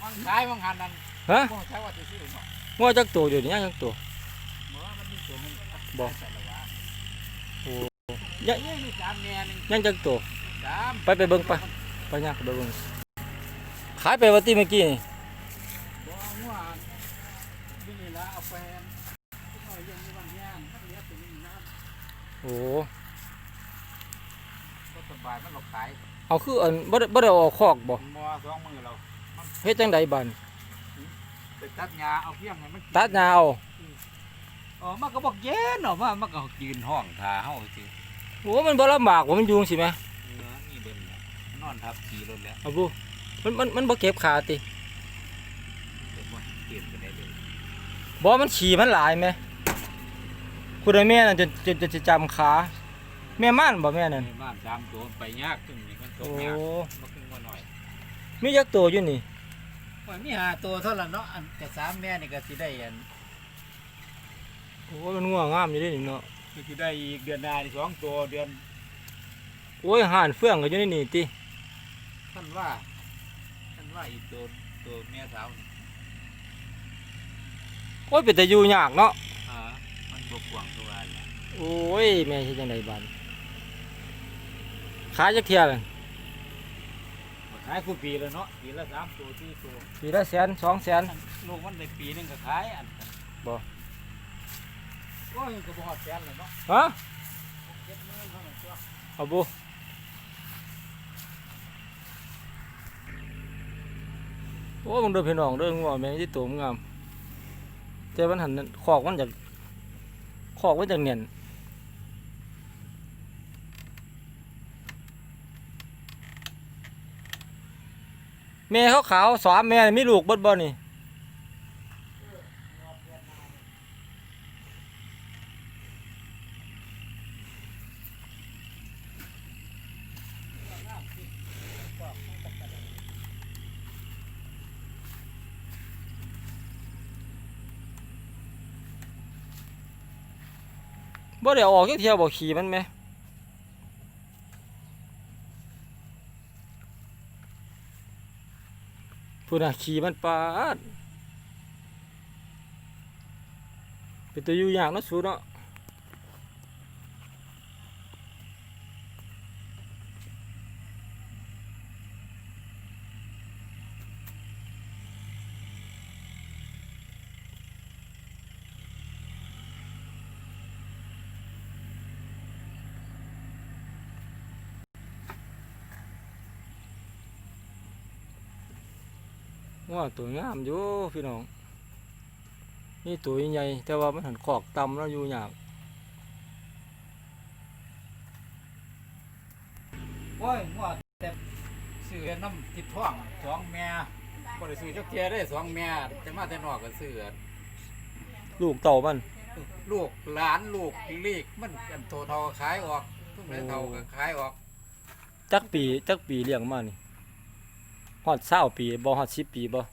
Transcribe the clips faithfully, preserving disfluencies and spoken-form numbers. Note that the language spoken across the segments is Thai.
มันขายมันหันนั่นฮะใช้ว่าจะซื้อเนาะงัวจักตัวอยู่นี่ยังจักตัวบ่โอ้ยังยังจักตัวไปไปเบิ่งไปไปย่างไปเบิ่งขายไปว่าติเมื่อกี้นี่บ่งัวนี่ละเอาไปเอายังมีวันย่างมันเหลือตัวนี้นะโอ้ก็สบายมันหลอกขายเอาคืออันบ่ได้บ่ได้ออกคอกบ่บ่สองมือเราเฮ็ดจังไดบัดไปตัดหญ้าเอาเพียงให้มันตัดหญ้าเอาอ๋อมันก็บอกเย็นเนาะว่ามันก็ยืนห้องท่าเฮาสิโอ้มันบ่ลำบากว่ามันอยู่จังซี่แหมเออนี่เบิ่นนอนทับขี่รถแล้วเอาบุมันมันมันบ่เก็บขาติเก็บบ่เก็บไปได้เลยบ่มันขี่มันหลายแหมคุณแม่นั่นจะจะจะจะจำขาแม่ม่านบ่แม่นั่นม่านสามตัวไปยากตึงนี่มันตกยากบ่ขึ้นบ่หน่อยมีจักตัวอยู่นี่ว่ามีห้าตัวเท่านั้นเนาะอันก็สามแม่นี่ก็สิได้อันโอ้มันง่วงงามอยู่เด้นี่เนาะก็สิได้อีกเดือนหน้านี่สองตัวเดือนโอ้ยห่านเฟื่องก็อยู่ในนี่ติท่านว่าท่านว่าอีกตัวตัวแม่สาวนี่โอ้ยเป็นแต่อยู่ยากเนาะอ่ามันบ่กว้างตัวอะไรโอ้ยแม่เฮ็ดจังไดบัดขายจักเที่ยล่ะขายคู่ปีแล้วเนาะปีละสามตัวสี่ตัวปีละแสนสองแสนลูกมันได้ปีนึงก็ขายอันบ่โอ้ยก็บ่ฮอดแสนแล้วเนาะฮะเจ็ดหมื่นเท่านั้นตัวเอาบุโอ้มึงเด้อพี่น้องเด้องัวแม่ที่ตัวงามแต่มันหันคอกมันจากคอกมันจากเนียนแม่เขาขาวสามแม่มีลูกบ่บ่นี่บ่ได้ออกจักเที่ยวบ่ขี่มันไหมพูดน่ะขี่มันปาดเป็นตัวอยู่ยากเนาะสูเนาะว่าตัวงามอยู่พี่น้องนี่ตัวใหญ่แต่ว่ามันหันขอกต่ำแล้วอยู่ยากโอ้ยว่าแต่ซื้อน้ำติดท้องสองแม่บ่ได้ซื้อจักเที่ยได้สองแม่จะมาแต่นอกก็ซื้อลูกเต่ามันลูกหลานลูกลีกมันกันโตเท่าขายออกทุกเท่าก็ขายออกจักปีจักปีเลี้ยงมานี่ฮอดเศร้าปีบ่ฮอดสิบปีบ่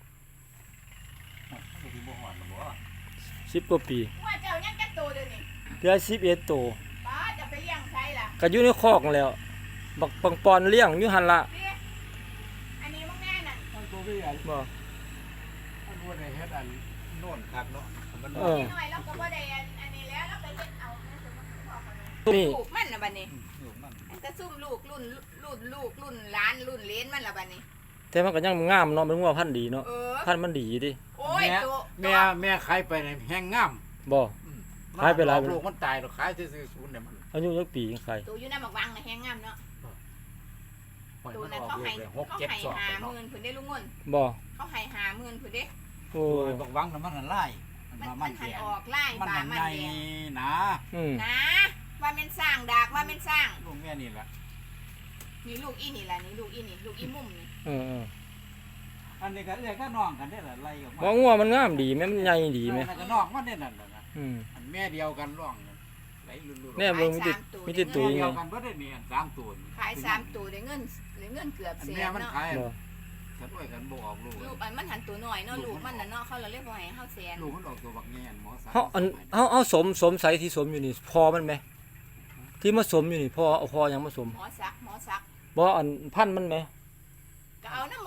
สิบกว่าปีว่าเจ้ายังจักโตเดี๋ยวนี้เดือนสิบเอ็ดโตป้าจะไปเลี้ยงใครล่ะก็อยู่ในคอกแล้วบักปังปอนเลี้ยงอยู่หั่นล่ะอันนี้มึงแน่น่ะมันตัวพี่อันบ่มันบ่ได้เฮ็ดอันโน่นคักเนาะมันเออน้อยแล้วก็บ่ได้อันนี้แล้วแล้วไปเฮ็ดเอานี่ลูกมันน่ะบัดนี้ลูกมันแต่ซุ่มลูกรุ่นรุ่นลูกรุ่นหลานรุ่นเหลนมันล่ะบัดนี้แต่มันก็ยังงามเนาะมันงัวพันธุ์ดีเนาะพันธุ์มันดีดิโอ้ยตัวแม่แม่ขายไปในแห้งงามบ่ขายไปหลายลูกมันตายแล้วขายซื่อๆศูนย์เนี่ยมันอายุจักปีขายตัวอยู่ในหมักวังน่ะแห้งงามเนาะตัวนั้นเขาให้เขาให้ห้าหมื่นเพิ่นได้ลุงเงินบ่เขาให้ห้าหมื่นเพิ่นเด้โอ้ยบักวังน่ะมันหันไล่มันมันหันออกไล่ป่ามันแดงนะนะว่าเป็นสร้างดากว่าเป็นสร้างลูกแม่นี่แหละนี่ลูกอีนี่แหละนี่ลูกอีนี่ลูกอีมุมนี่เอออันนี้ก็เรียกก็น้องกันได้แหละไล่ออกมาบ่งัวมันงามดีแม่มันใหญ่ดีแม่ก็น้องมันได้นั่นน่ะนะอืมอันแม่เดียวกันร้องไหลลุๆแน่เบิ่งมีติดมีติดตัวยังไงกันบ่ได้นี่อันสามตัวขายสามตัวได้เงินได้เงินเกือบแสนเนาะแม่มันขายฉันด้วยกันบ่ออกลูกลูกอันมันหันตัวน้อยเนาะลูกมันน่ะเนาะเขาเลยเรียกว่าให้เฮาแสนลูกมันออกตัวบักแง่นหมอเฮาอันเฮาเฮาสมสมใสที่สมอยู่นี่พอมันไหมที่มาสมอยู่นี่พอเอาพอยังมาสมหมอซักหมอซักบ่อันพันมันไหมก็เอาน้ำหมอซัก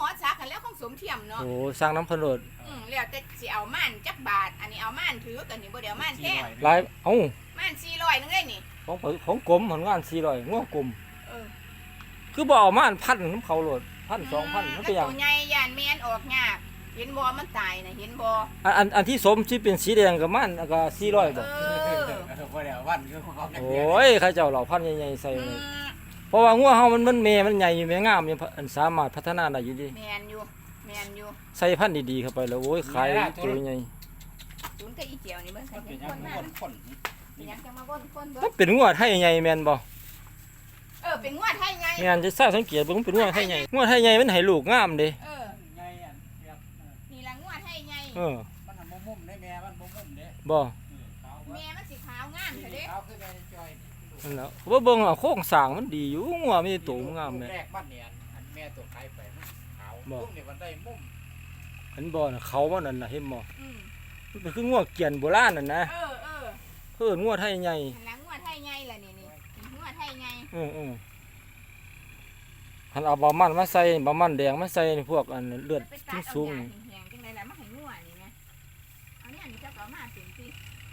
คันแล้วของสมเทียมเนาะโอ้สร้างน้ำเพนโลดอืมแล้วแต่สิเอาม่านจักบาทอันนี้เอาม่านถือกันนี่บ่เดี๋ยวม่านแท้หลายเอ้าม่านสี่ร้อยนึงเลยนี่ของเผของกลมผลงานสี่ร้อยงัวกลมเออคือบ่เอามาอันพันน้ำเขาโหลดพันสองพันมันเป็นหยังแล้วตัวใหญ่ย่านแม่นออกยากเห็นบ่มันตายน่ะเห็นบ่อันอันอันที่สมที่เป็นสีแดงกับมันอันก็สี่ร้อยเอบ่อบ่ได้วันคือของเขาโอ้ยเขาเจ้าเหล่าพันธุ์ใหญ่ๆใส่อืไว้มเพราะว่างัวเฮามันมันแม่มันใหญ่อยู่แม่งามอยู่อันสามารถพัฒนาได้อยู่ดิแม่นอยู่แม่นอยู่ใส่พันธุ์ดีๆเข้าไปแล้วโอ้ยขายตัวใหญ่ศูนย์กับอีเจียวนี่เบิ่งใครเป็เป็น นยัคงนมาคนคนเป็นหยังจะมาบ่นคนเบิ่มันงเป็นงัวไทยใหญ่แม่นบ่เออเป็นงวดไทยไงแม่นจะทราบสังเกตเบิ่งมันเป็นงัวไทยใหญ่งัวไทยใหญ่มันให้ลูกงามเด้เออใหญ่อันแบบนี่ละงวดไทยไงเออมันบ่มุมได้แม่มันบ่มุมเด้บ่ขาวแม่มันสีขาวงามเถอะเด้ขาวคือแม่จอยนั่นแหล้วว่าเบิ่งเอาโครงสร้างมันดีอยู่งัวมีตัวงามแม่แรกมันเนี่ยอันแม่ตัวใครไปมันขาวมุมนี่มันได้มุมเห็นบ่น่ะเขามันนั่นน่ะเห็นบ่อืมมันเป็นคืองัวเกียนโบราณนั่นนะเออเออเพิ่นงัวไทยใหญ่หันหลังงวดไทยไงล่ะนี่นี่เป็นงวดไทยไงเออเออหันเอาบะมันมาใส่บะมันแดงมาใส่พวกอันเลือดไปตัดสูงเอาๆหนี่ญ้าแห้งๆจังได๋ล่ะมาให้งวดนี่ไงเอาเนี่ยนี่เจ้าก็เอามาเป็นสิ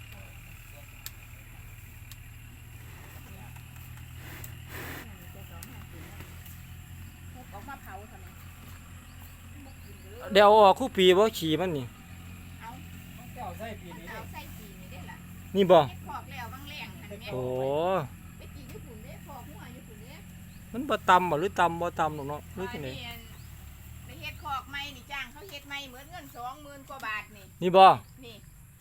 ออกมาเผาทำไมบ่กินเลยเดี๋ยวเอาออกคู่ปีบ่ขี่มันนี่เอาเจ้าใส่ปีนี้เอาใส่ปีนี่ได้ล่ะนี่บ่เฮ็ดพอกแล้วบางแรงหันแม่โอ้ไปกินญี่ปุ่นเด้พอกหัวญี่ปุ่นเด้มันบ่ตำบ่หรือตำบ่ตำหรอกเนาะหรือจังได๋ไปเฮ็ดคอกใหม่นี่จ้างเขาเฮ็ดใหม่เหมือนเงินสองหมื่นกว่าบาทนี่นี่บ่นี่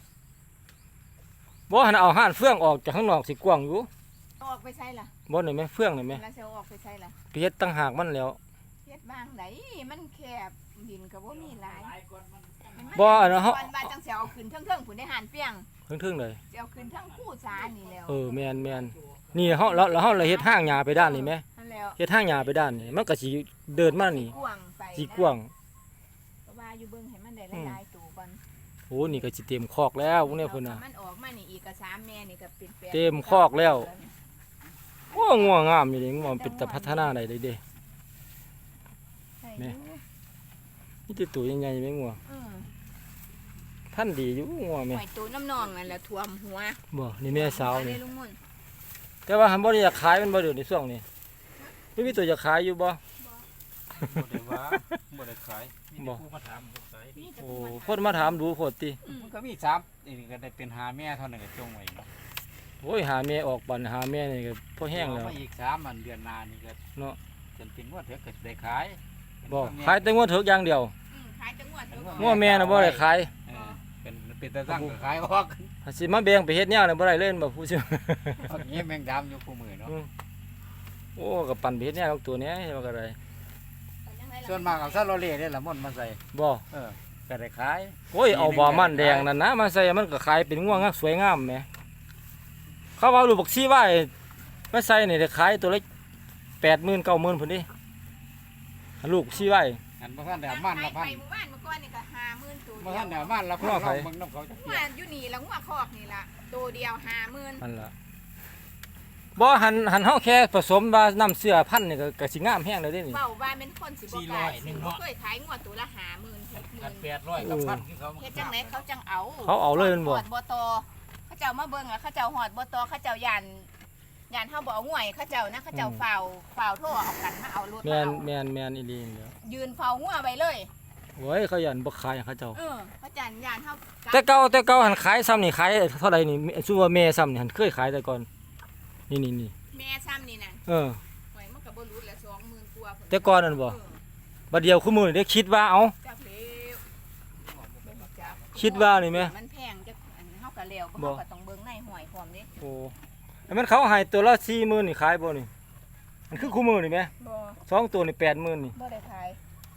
บ่หันเอาห่านเฟืองออกจากข้างนอกสิกว้างอยู่เอาออกไปใส่ล่ะบ่นี่แม่เฟืองนี่แม่แล้วสิเอาออกไปใส่ล่ะไปเฮ็ดตั้งหากมันแล้วเฮ็ดบางไหนมันแคบดินก็บ่มีหลายหลายคนมันบ่อันนั้นเฮาวันบาจังสิเอาขึ้นเทิงๆผุนได้หานเปียงถึงๆเลยสิเอาขึ้นเทั้งคู่สานี่แล้วเออแม่นแม่นนี่เฮาแล้วแล้วเฮาเลยเฮ็ดห้างหญ้าไปด้านนี้แม่นั่นแล้วเฮ็ดห้างหญ้าไปด้านนี้มันก็สิเดินมานี่กว้างไปสิกว้างก็ว่าอยู่เบิ่งให้มันได้หลายๆตัวก่อนโอ้นี่ก็สิเต็มคอกแล้วพวกเนี้ยพุ่นน่ะมันออกมานี่อีกก็สามแม่นี่ก็เป็นแปดเต็มคอกแล้ว โอ้งัวงามอยู่เด้งัวมันเป็นตาพัฒนาได้เลยเด้ใช่แม่อยู่นี่ติตัวใหญ่ๆแม่งัวอือท่านดีอยู่งัวแม่หอยตัวน้ำนองนั่นแหละท่วมหัวบ่นี่แม่สาวเอนี่เลยลุงมุ่นแต่ว่าหันบ่ได้อยากขายมันบ่เดี๋ยวในช่วงนี้ไม่มีตัวอยากขายอยู่บ่บ่ได้ว่าบ่ได้ขายมีแต่ผู้มาถามบ่ขายนี่จะโอ้พูดคนมาถามดูโพดติมันก็มีสามนี่ก็ได้เป็นหาแม่เท่านั้นก็จงไว้เนาะโอ้ยหาแม่ออกบันหาแม่นี่ก็พอแห้งแล้วมาอีกสามอันเดือนหน้านี่ก็เนาะจนเป็นงวดเถอะก็ได้ขายบ่ขายแต่งัวเถิกอย่างเดียวอืมขายจังหวัดเดียวก่อนงัวแม่น่ะบ่ได้ขายเออเป็นเป็นตาตั้งก็ขายออกถ้าสิมาแบ่งไปเฮ็ดแนวนี่บ่ได้เล่นบ่ผู้ชื่อเอาอย่างนี้แมงดำอยู่คู่มือเนาะโอ้ก็ปั่นไปเฮ็ดแนวของตัวเนี้ยว่าก็ได้ส่วนมากเอาซาโรเล่ได้ละม่อนมาใส่บ่เออก็ได้ขายโอ้ยเอาบ่อมันแดงนั่นนะมาใส่มันก็ขายเป็นง่วงงามสวยงามแหมเขาว่าลูกบักซี่ไว้มาใส่นี่ได้ขายตัวละแปดหมื่นเก้าหมื่นพุ่นดิอันลูกซี่ไว้อันบ่ทันได้เอามันละพันไปหมู่บ้านเมื่อก่อนนี่ก็ห้าหมื่นตัวบ่เดีทัยนวได้เอามันละพันว่าลไผองเบิ่งน้ำเขาจะหัเปวลี่ยนอยู่นี่ละหัวคอกนี่ละตัวเดียวห้าหมื่นนั่นล่ะบ่หันหันเฮาแค่ผสมว่าน้ำเสื้อพันธุ์นี่ก็ก็สิงามแฮงเลยเด้นี่เบาบ้านเป็นคนสิบ่กล้าสิบ่เคยขายงวดตัวละห้าหมื่นหกหมื่อันนแปดร้อยกับพันที่เขาเฮ็ดจังไหนเขาจังเอาเขาเอาเลยแมันบ่หอดบ่ตอเขาเจ้ามาเบิ่งอ่ะเขาเจ้าหอดบ่ตอเขาเจ้าย่านย่านเฮาบ่เอาง่วยเขาเจ้านะเขาเจ้าเฝ้าเฝ้าโทรเอากันมาเอารถแม่มาน เอาแม่นแม่นอีหลีนี่แหล้วยืนเฝ้างัวไว้เลยโอ้ยเขายันบ่ขายให้เขาเจ้าเออเขาจันย่านเฮาแต่เก่าแต่เก่าหันขายซ้ำนี่ขายเท่าใดนี่ชื่อว่าแม่ซ้ำนี่หันเคยขายแต่ก่อนนี่นี่นี่แม่ซ้ำนี่น่ะเออหวยมันก็บ่รู้ละสองหมื่นกว่าพุ่แต่ก่อนนั่นบ่เออบัดเดียวคู่มือนี่ได้คิดว่าเอาจักแล้วบ่รู้จักคิดว่านี่แม่มันแพงจักอันเฮาก็แล้วบ่เฮาก็ต้องเบิ่งในหอยพร้อมเด้โอ้ไอ้มันเขาให้ตัวละสี่หมื่นนี่ขายบ่นี่มันคือคู่มือนี่แม่บ่สองตัวนี่แปดหมื่นนี่บ่ได้ขาย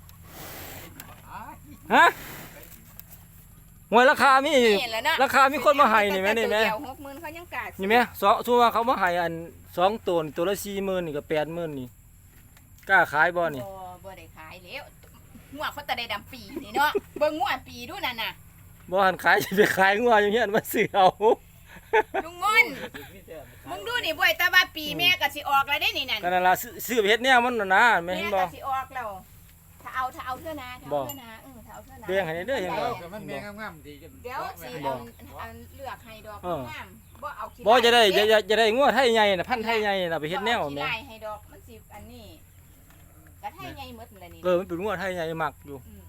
ฮะหวยราคามีนี่แหละนะราคามีคนมาให้นี่แม่นี่แม่ตัวเดียวหกหมื่นเขายังกล้าซื้อนี่แม่สองตัวเขามาให้อันสองตัวนี่ตัวละสี่หมื่นนี่ก็แปดหมื่นนี่กล้าขายบ่นี่บ่บ่ได้ขายแล้วงัวเขาแต่ได้ดำปีนี่เนาะ เบิ่งงัวปีดูนั่นน่ะบ่หันขายสิไปขายงัวอย่างเงี้ยมาซื้อเอาลุงมนต์มึงดูนี่บ่อยแต่ว่าปีแม่ก็สิออกแล้วได้นี่นั่นก็นั่นล่ะซื้อซื้อไปเฮ็ดแนวมันน่ะนะแม่แม่เห็นบ่ก็สิออกแล้วถ้าเอาถ้าเอาเท่านะถ้าบ่เอาเท่านะเออถ้าเอาเท่านะเลี้ยงให้ได้เด้อเห็นบ่เออก็มันแม่งามๆดีเดี๋ยวสิบ่เอาเอาเลือกให้ดอกเอองามบ่เอาขี้บ่จะได้ลายจะจะจะได้งัวไทยใหญ่น่ะพันธุ์ไทยใหญ่น่ะไปเฮ็ดแนวบ่อาขี้แม่ลายให้ดอกมันสิอันนี้กระไทยใหญ่หมดนั่นแหละนี่เออมันเป็นงัวไทยใหญ่มักอยู่ม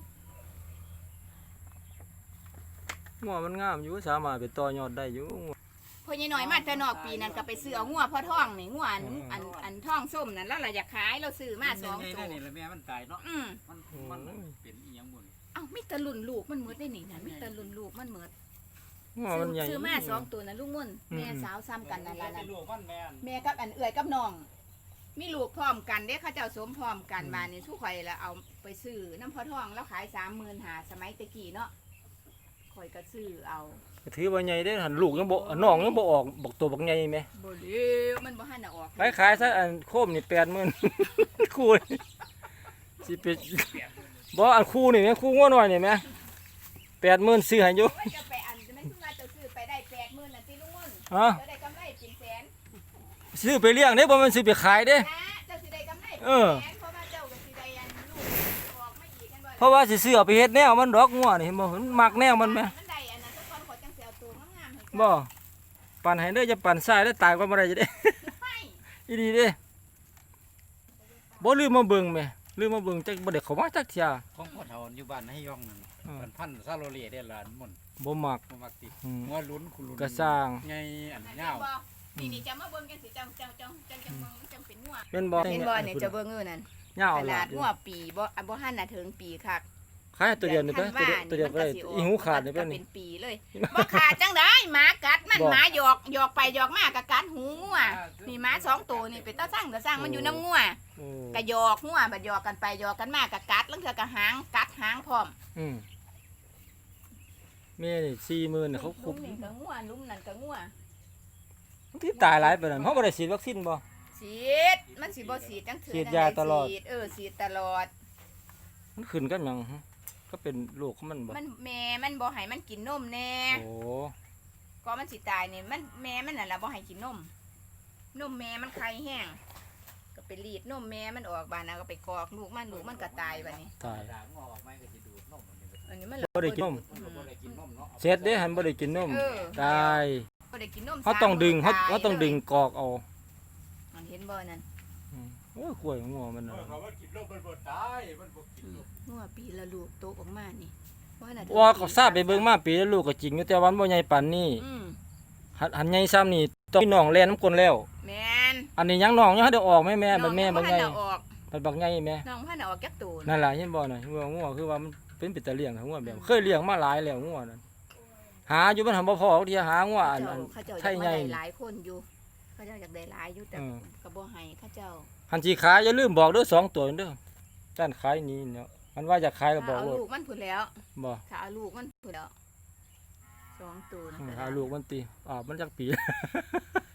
งัวมันงามอยู่สามารถไปต่อยอดได้อยู่พ่อใหญ่น้อยมาแต่นอกปีนั้นก็ไปซื้อเอางัวพ่อท้องนี่งัวอันอันอันท้องส้มนั่นแล้วเราอยากขายเราซื้อมาสองนี่ตัวนี่แหละแม่มันตายเนาะอืมมันมันเป็นอีหยังบุญเอ้ามีแต่รุ่นลูกมันหมดได้นี่นะมีแต่รุ่นลูกมันหมดงัวมันใหญ่ซื้อมาสองตัวนะลูกมุ่นอืมแม่สาวซ้ำกันนั่นล่ะนั่นลูกมันแม่นแม่กับอันเอื่อยกับน้อง มีลูกพร้อมกันเด้เขาเจ้าสมพร้อมกันมานี่ทุกข่อยแล้วเอาไปซื้อน้ำพอทองแล้วขายสามหมื่นหาสมัยตะกี้เนาะข่อยก็ซื้อเอาถือว่าใหญ่เด้อหันลูกยังบ่น้องยังบ่ออกบอกตัวบักใหญ่แม่บ่เลี้ยวมันบ่หันน่ะออกไปขายซะอันโคมนี่แปดหมื่น คู่นี่สิเป็นบ่อันคู่นี่แม่คู่งัวน้อยนี่แม่แปดหมื่นซื้อให้อยู่โอ้ยจะไปอันจะไม่ซื้อมาจะซื้อไปได้แปดหมื่นน่ะติลุงมุ่นฮะจะได้กำไรเป็นแสนซื้อไปเลี้ยงเด้บ่แมันซื้อไปขายเด้นะเจ้าสิได้กำไรเป็นเออแสนเพราะว่าเจ้าก็สิได้อันลูกออกมาอีกกันบ่ล่ะเพราะว่าสิซื้อเอาไปเฮ็ดแนวมันดอกงัวนี่เห็นบ่มันมักแนวมันแม่มันได้อันนั้นทุกคนขอจังสิเอาตัวงามๆให้บ่ปั่นให้เด้อจะปั่นซ้ายแล้วตายก็บ่ได้จะได้ให้อีดีเด้บ่ลืมมาเบิ่งแม่ลืมมาเบิ่งจักบ่ได้เข้ามาจักเที่ยของพ่อเฒ่าอยู่บ้านให้ย่องนั่นเออมันพันซาโลเล่ได้หลานมุ่นบ่มักบ่มักติอืมหัวลุ้นคุณลุ้นก็สร้างไงอันอันยาวนี้นี่จะมาเบิ่งกันสิจังจังจังจังจังเบิ่งจังเป็นงัวแม่นบ่เห็นบ่เนี่ยจะเบิ่งเออนั่นยาวขหลานาดดอยู่งัวปีบ่อ่ะบ่หันน่ะถึงปีคักขายตัวเดียวนี่เด้อตัวเดียวตัวเดียวบ่ได้อีหูขาดนี่ก็เด้อเป็นี่นปีเลยบ่ขาดจังได้หมากัดมันบ่หมาหยอกหยอกไปหยอกมาก็กัดหูงัวนี่หมาสองตัวนี่เป็นตาสร้างตาสร้างมันอยู่น้ำงัวโอ้ก็หยอกงัวบัดหยอกกันไปหยอกกันมาก็กัดแล้วเทื่อก็หางกัดหางพร้อมอืมแม่นี่สี่หมื่นเขาลุคุบมนี่ก็งัวลุมนั่นก็งัวที่ตายหลายปานนั้นเฮาบ่ได้ฉีดวัคซีนบ่ฉีดมันสิบ่ฉีดจังเถื่อฉีดจังยาใตลอดฉีเออฉีดตลอดมันขึ้นกันหยังฮะก็เป็นโรคของมันบ่มันแม่มันบ่ให้มันกินนมแน่โอ้ก็มันสิตายนี่มันแม่มันน่ะล่ะบ่ให้กินนมนมแม่มันไข่แห้งก็ไปรีดนมแม่มันออกบานน่ะก็ไปกอกลูกมันลูกมันก็ตายบัดนี้ตายด่างออกไหมก็สิดูดนมมันนี่อันนี้มันบ่ได้กินนมมันก็บ่ได้กินนมเนาะเสร็จเด้หันบ่ได้กินนมเออตายบ่ได้กินนมเขาต้องดึงเขาสมเขาต้องดึงกอกเอามันเห็นบ่นั่นอืมโอ้ยกล้วยงัวมันน่ะเขาว่ากินนมมันบ่ตายมันบ่กินนมงัวปีละลูกโตออกมานี่ว่าน่ะว่าเขาทราบไปเบิ่งมาปีแล้วลูกก็จริงอยู่แต่วันบ่ใหญ่ปานนี้อืมหันหันใหญ่ซ้ำนี่ต้องมีน้องแล่นน้ำกลนแล้วแม่นอันนี้ยังน้องยังได้ออกแม่แม่บัดแม่บักใหญ่น้องพันธุ์น่ะออกบัดบักใหญ่แม่น้องพันธุ์น่ะออกจักตูนนั่นล่ะเห็นบ่น่ะงัวงัวคือว่ามันเป็นปิดตะเลี้ยงงัวแบบเคยเลี้ยงมาหลายแล้วงัวนั่นหาอยู่มันหาบ่พอเที่ยหางัวอันอันเขาเจ้าไทอยากยใหญ่ได้หลายคนอยู่เขาเจ้าอยากได้หลายอยู่แต่อืมก็บ่ให้เขาเจ้าหันสิขายอย่าลืมบอกเด้อสองตัวเด้อด้านขายนี้เนาะมันว่าจะขายก็บอกเอาโลดลูกมันพุ่นแล้วบ่ถ้าเอาลูกมันพุ่นแล้วสองตัวนะอืมก็ได้หาลูกมันติอ่ามันจักปี